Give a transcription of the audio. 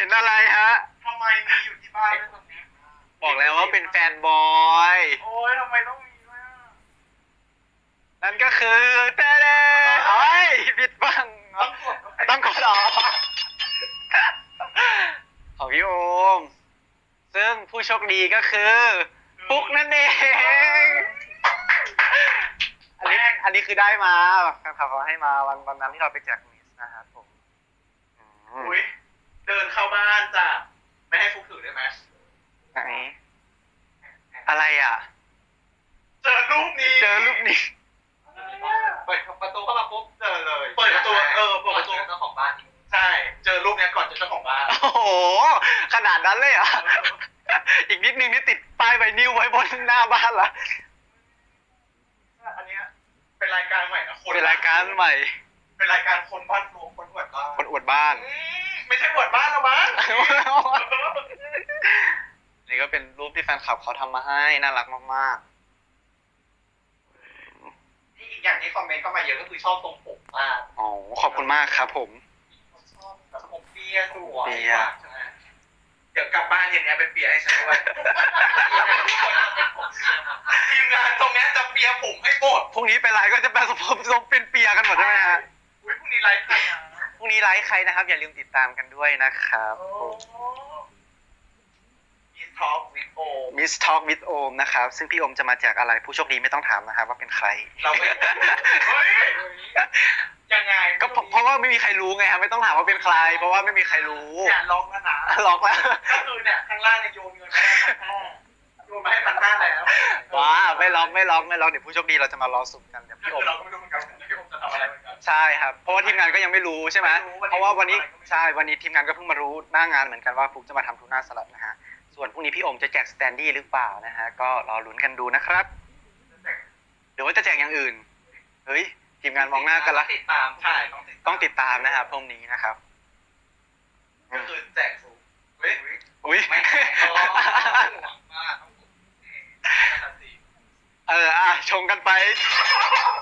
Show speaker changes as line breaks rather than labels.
ห็นอะไรฮะ
ทำไมมีอยู่ที่บ้านด้วยตรงนี้
บอกแล้วว่าเป็นแฟนบอย
โอ้ยทำไมต้องมีด้วยอ่ะ
นั่นก็คือเต้เด้เฮ้ยผิดบ้าง
ต้องกด
ต้องกดออกของพี่โอม ซึ่งผู้โชคดีก็คือปุ๊กนั่นเอง อันนี้คือได้มาแฟนคลับเขาให้มาวันนั้นที่เราไปแจกมิสนะครับผม
อุ้ยเดินเข้าบ้านจ้ะไม่ให้ฟุกถือได้ไหม
ไหนอะไรอ่ะ
เจอรูปนี้
เจอรูปนี้
เปิดประตูเข้ามาปุ๊บเจอเลย
เปิดประตูเปิดประตู
เจ้าของบ้าน
ใช่เจอรูปเนี้ยก่อนเจอเจ้าของบ้าน
โอ้โห ขนาดนั้นเลยเหรอ่ะ อีกนิดนึงนี่ติดป้ายไวนิลไว้บนหน้าบ้านละ
อันเนี้ยเป็นรายการใหม่นะ
เป็นรายการใหม่
เป็นรายการคนบ้านรวมคนอวดบ้าน
คนอวดบ้าน
ไม่ใช่อวดบ้านหรอมั้ง
นี่ก็เป็นรูปที่แฟนคลับเขาทำมาให้น่ารักมาก
ที่อีกอย่างที่คอมเมนต์เข้ามาเยอะก็คือชอบตรงผมมาก
ๆอ๋อขอบคุณมากครับผม
ชอบแบบผมเปียสวย
เปีย
ใช่ไหม
เดี๋ยวกลับบ้านเย็นเนี้ยไปเปียให้ฉันด้วย
ทุกคนจะเป็นผมเปียหมด
ทีมงานตรงเนี้ยจะเปียผมให้หมด
พรุ่งนี้ไปไลฟ์ก็จะเป็นทรงเป็นเปียกันหมดใช่ไหมฮะ
อุ้ยพรุ่งนี้ไลฟ์ใครอ่ะ
พรุ่งนี้ไลฟ์ใครนะครับ อย่าลืมติดตามกันด้วยนะครับ
มีทอล์กวิดโอ
มิสทอ l k วิดโอมนะครับ ซึ่งพี่โอมจะมาแจกอะไรผู้โชคดีไม่ต้องถามนะครับว่าเป็นใคร
เราไม่เฮ้ยยังไง
ก็เพราะว่าไม่มีใครรู้ไงครับไม่ต้องถามว่าเป็นใคร เพราะว่าไม่มีใครรู้
อย่าล็อกนะ
ล็อกแล้ว
ก็คือเนี่ยข้างล่างเนี่ยโยนเงินมาให้1,500โยนมาให้1,500แล้ว
ว้าไม่ล็อกเดี๋ยวผู้โชคดีเราจะมารอสุ่มกันเดี๋ยว
ก็
พี่โอ
คือ
ม
เราก็ไม่รู้เหมือนกันว่าพี่ผมจะทำอะไรเหมือนกัน
ใช่ครับเพราะว่าทีมงานก็ยังไม่รู้ใช่ไหม
ไม่รู้วันนี้
เพราะว่าวันนี้
ไม่รู้
ใช่วันนี้ทีมงานก็เพิ่งมารู้หน้างานเหมือนกันว่าฟุกจะมาทำทูน่าสลัดนะฮะส่วนพรุ่งนี้พี่โอมจะแจกสแตนดี้หรือเปล่านะฮะก็รอลุ้นกันดูนะครับหรือว่าจะแจกอย่างอื่นเฮ้ยทีมงานมองหน้ากันละ
ติดตาม
ใช่ต้องติด
ต้องติดตามนะครับพรุ่งนี้นะครับ
ก็คือแจกสูงเฮ้ย
อุ้ย
ไม่แข่งก็ห่วงมากต้องผมน่าจะสิ
ชงกันไป